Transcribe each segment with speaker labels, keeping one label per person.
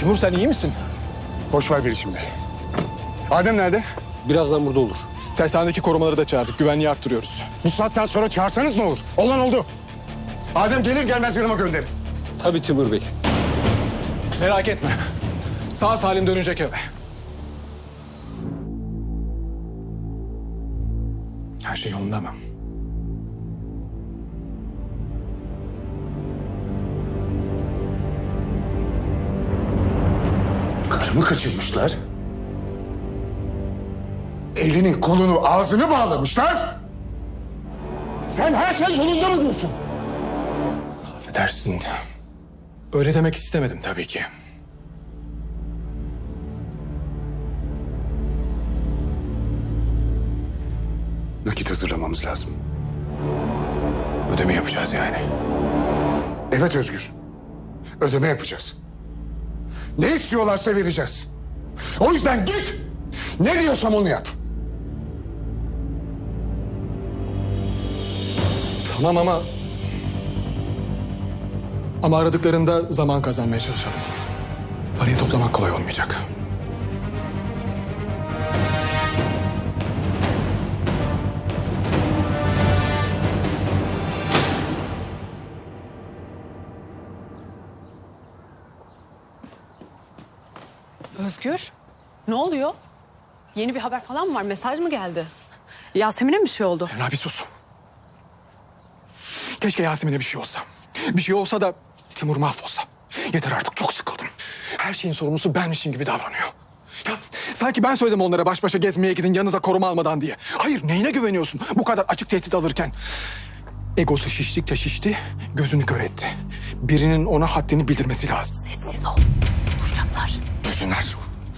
Speaker 1: Timur sen iyi misin?
Speaker 2: Boş ver beni şimdi. Adem nerede?
Speaker 1: Birazdan burada olur. Tersanedeki korumaları da çağırdık. Güvenliği arttırıyoruz.
Speaker 2: Bu saatten sonra çağırsanız ne olur? Olan oldu. Adem gelir gelmez yanıma gönderin.
Speaker 1: Tabii Timur Bey. Merak etme. Sağ salim dönecek eve. Her şey yolunda mı?
Speaker 2: Karımı kaçırmışlar. Elini, kolunu, ağzını bağlamışlar. Sen her şey yolunda mı diyorsun?
Speaker 1: Affedersin. Öyle demek istemedim tabii ki.
Speaker 2: Nakit hazırlamamız lazım.
Speaker 1: Ödeme yapacağız yani.
Speaker 2: Evet Özgür. Ödeme yapacağız. Ne istiyorlarsa vereceğiz. O yüzden git. Ne diyorsam onu yap.
Speaker 1: Tamam ama aradıklarında zaman kazanmaya çalışalım. Parayı toplamak kolay olmayacak.
Speaker 3: Özgür, ne oluyor? Yeni bir haber falan mı var? Mesaj mı geldi? Yasemin'e mi bir şey oldu?
Speaker 1: Emrah bir sus. Keşke Yasemin'e bir şey olsa. Bir şey olsa da Timur mahvolsa. Yeter artık, çok sıkıldım. Her şeyin sorumlusu benmişim gibi davranıyor. Ya sanki ben söyledim onlara baş başa gezmeye gidin yanınıza koruma almadan diye. Hayır, neyine güveniyorsun bu kadar açık tehdit alırken? Egosu şiştikçe şişti, gözünü kör etti. Birinin ona haddini bildirmesi lazım.
Speaker 3: Sessiz ol. Duyacaklar.
Speaker 1: Duysunlar.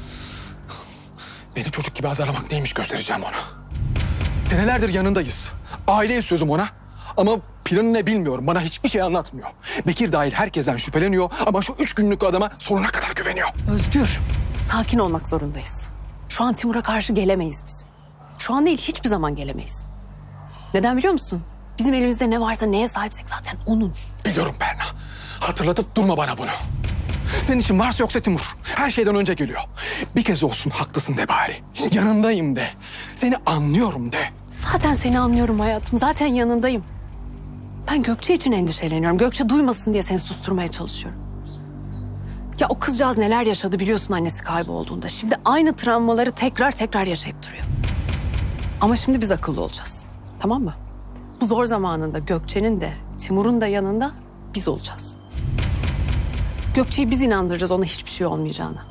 Speaker 1: Beni çocuk gibi azarlamak neymiş göstereceğim ona. Senelerdir yanındayız. Aileyiz sözüm ona. Ama planı ne bilmiyorum. Bana hiçbir şey anlatmıyor. Bekir dahil herkesten şüpheleniyor ama şu 3 günlük adama sonuna kadar güveniyor.
Speaker 3: Özgür, sakin olmak zorundayız. Şu an Timur'a karşı gelemeyiz biz. Şu an değil, hiçbir zaman gelemeyiz. Neden biliyor musun? Bizim elimizde ne varsa, neye sahipsek zaten onun.
Speaker 1: Biliyorum Berna. Hatırlatıp durma bana bunu. Senin için varsa yoksa Timur. Her şeyden önce geliyor. Bir kez olsun haklısın de bari. Yanındayım de. Seni anlıyorum de.
Speaker 3: Zaten seni anlıyorum hayatım. Zaten yanındayım. Ben Gökçe için endişeleniyorum. Gökçe duymasın diye seni susturmaya çalışıyorum. Ya o kızcağız neler yaşadı biliyorsun annesi kaybolduğunda. Şimdi aynı travmaları tekrar yaşayıp duruyor. Ama şimdi biz akıllı olacağız. Tamam mı? Bu zor zamanında Gökçe'nin de Timur'un da yanında biz olacağız. Gökçe'yi biz inandıracağız ona hiçbir şey olmayacağına.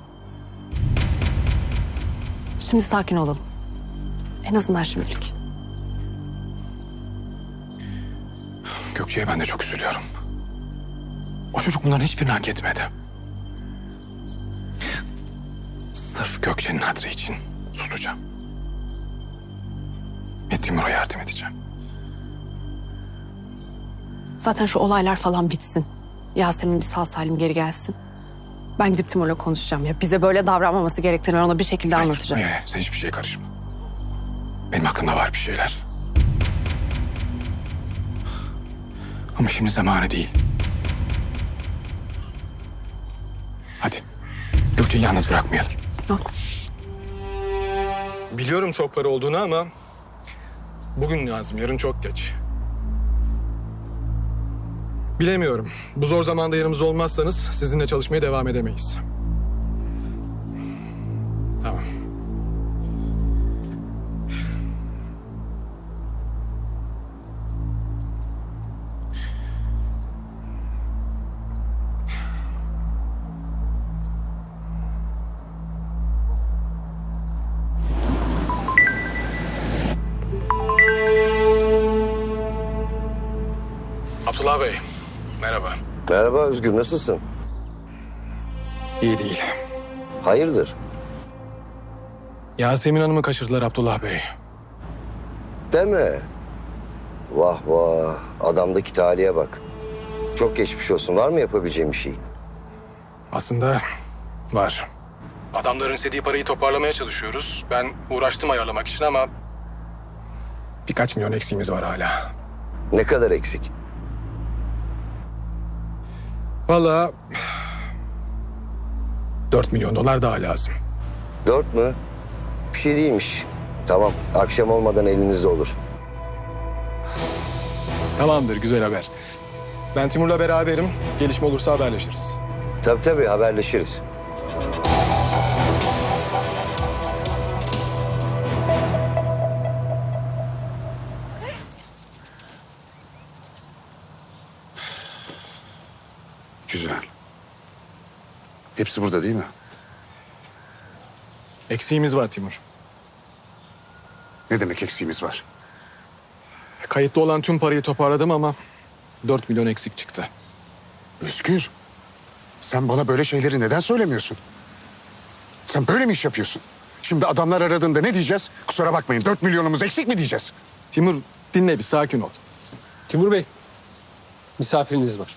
Speaker 3: Şimdi sakin olalım. En azından şimdilik.
Speaker 1: Gökçe'ye ben de çok üzülüyorum. O çocuk bunların hiçbirini hak etmedi. Sırf Gökçe'nin hatırı için susacağım. Ve Timur'a yardım edeceğim.
Speaker 3: Zaten şu olaylar falan bitsin. Yasemin bir sağ salim geri gelsin. Ben gidip Timur'la konuşacağım ya. Bize böyle davranmaması gerektiğini ben ona bir şekilde anlatacağım.
Speaker 1: Hayır, sen hiçbir şeye karışma. Benim aklımda var bir şeyler. Ama şimdi zamanı değil. Hadi. Gökçe'yi yalnız bırakmayalım.
Speaker 3: Haklısın.
Speaker 1: Biliyorum çok para olduğunu ama bugün lazım, yarın çok geç. Bilemiyorum. Bu zor zamanda yanımızda olmazsanız sizinle çalışmaya devam edemeyiz. Tamam. Abdullah Bey, merhaba.
Speaker 4: Merhaba Özgür, nasılsın?
Speaker 1: İyi değil.
Speaker 4: Hayırdır?
Speaker 1: Yasemin Hanım'ı kaçırdılar Abdullah Bey.
Speaker 4: Deme. Vah vah, adamdaki talihe bak. Çok geçmiş olsun, var mı yapabileceğim bir şey?
Speaker 1: Aslında var. Adamların istediği parayı toparlamaya çalışıyoruz. Ben uğraştım ayarlamak için ama birkaç milyon eksiğimiz var hala.
Speaker 4: Ne kadar eksik?
Speaker 1: Vallahi 4 milyon dolar daha lazım.
Speaker 4: 4 mü? Bir şey değilmiş. Tamam, akşam olmadan elinizde olur.
Speaker 1: Tamamdır, güzel haber. Ben Timur'la beraberim. Gelişme olursa haberleşiriz.
Speaker 4: Tabii haberleşiriz.
Speaker 2: Güzel. Hepsi burada değil mi?
Speaker 1: Eksiğimiz var Timur.
Speaker 2: Ne demek eksiğimiz var?
Speaker 1: Kayıtlı olan tüm parayı toparladım ama 4 milyon eksik çıktı.
Speaker 2: Özgür, sen bana böyle şeyleri neden söylemiyorsun? Sen böyle mi iş yapıyorsun? Şimdi adamlar aradığında ne diyeceğiz? Kusura bakmayın, 4 milyonumuz eksik mi diyeceğiz?
Speaker 1: Timur dinle bir sakin ol.
Speaker 5: Timur Bey, misafiriniz var.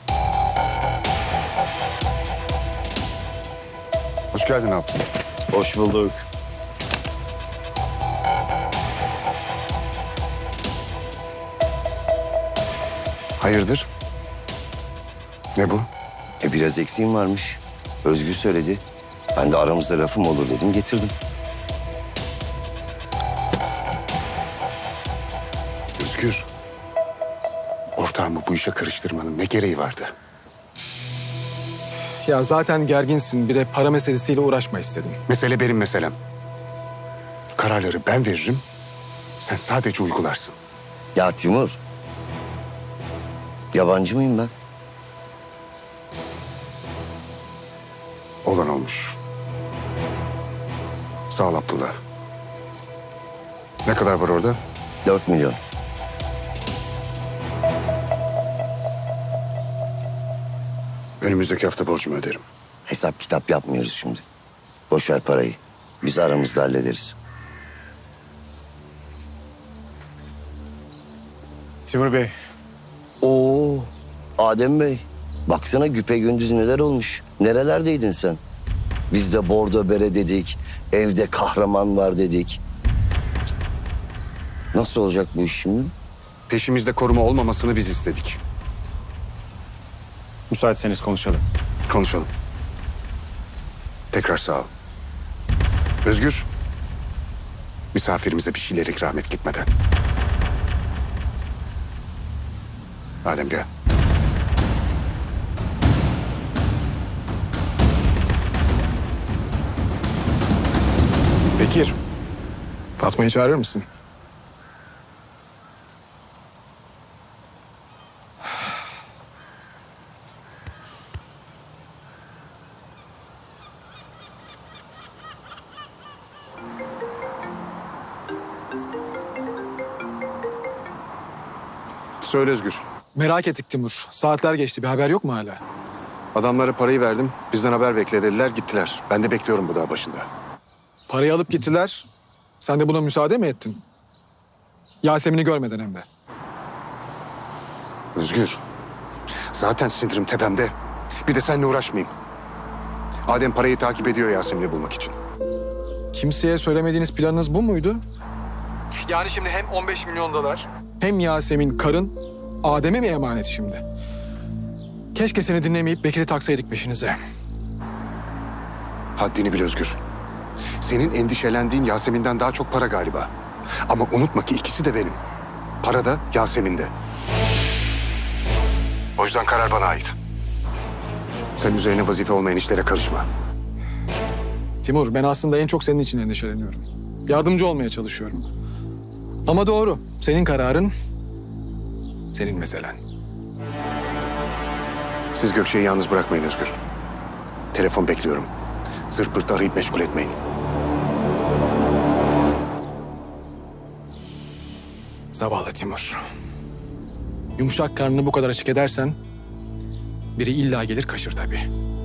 Speaker 2: Hoş geldin abi.
Speaker 4: Hoş bulduk.
Speaker 2: Hayırdır? Ne bu?
Speaker 4: Biraz eksiğim varmış. Özgür söyledi. Ben de aramızda lafım olur dedim, getirdim.
Speaker 2: Özgür, ortağımı bu işe karıştırmanın ne gereği vardı?
Speaker 1: Ya zaten gerginsin, bir de para meselesiyle uğraşma istedim.
Speaker 2: Mesele benim meselem. Kararları ben veririm, sen sadece uygularsın.
Speaker 4: Ya Timur, yabancı mıyım ben?
Speaker 2: Olan olmuş. Sağ ol Abdullah. Ne kadar var orada?
Speaker 4: 4 milyon.
Speaker 2: Önümüzdeki hafta borcumu öderim.
Speaker 4: Hesap kitap yapmıyoruz şimdi. Boş ver parayı. Biz aramızda hallederiz.
Speaker 5: Timur Bey,
Speaker 4: Oo, Adem Bey. Baksana güpegündüz neler olmuş. Nerelerdeydin sen? Biz de bordo bere dedik. Evde kahraman var dedik. Nasıl olacak bu iş şimdi?
Speaker 2: Peşimizde koruma olmamasını biz istedik.
Speaker 5: müsaitseniz konuşalım.
Speaker 2: Konuşalım. Tekrar sağ ol. Özgür, misafirimize bir şeyler ikram et gitmeden. Adem gel.
Speaker 1: Bekir, Fatma'yı çağırır mısın?
Speaker 2: Söyle Özgür.
Speaker 1: Merak ettik Timur. Saatler geçti, bir haber yok mu hala?
Speaker 2: Adamlara parayı verdim. Bizden haber bekle dediler, gittiler. Ben de bekliyorum bu dağ başında.
Speaker 1: Parayı alıp gittiler. Sen de buna müsaade mi ettin? Yasemin'i görmeden hem de.
Speaker 2: Özgür, zaten sinirim tepemde. Bir de seninle uğraşmayayım. Adem parayı takip ediyor Yasemin'i bulmak için.
Speaker 1: Kimseye söylemediğiniz planınız bu muydu? Yani şimdi hem 15 milyon dolar hem Yasemin karın Adem'e mi emanet şimdi? Keşke seni dinlemeyip Bekir'i taksaydık peşinize.
Speaker 2: Haddini bil Özgür. Senin endişelendiğin Yasemin'den daha çok para galiba. Ama unutma ki ikisi de benim. Para da Yasemin'de. O yüzden karar bana ait. Sen üzerine vazife olmayan işlere karışma.
Speaker 1: Timur, ben aslında en çok senin için endişeleniyorum. Yardımcı olmaya çalışıyorum. Ama doğru, senin kararın, senin meselen.
Speaker 2: Siz Gökçe'yi yalnız bırakmayın Özgür. Telefon bekliyorum. Zırt pırt arayıp meşgul etmeyin.
Speaker 1: Zavallı Timur. Yumuşak karnını bu kadar açık edersen biri illa gelir kaşır tabii.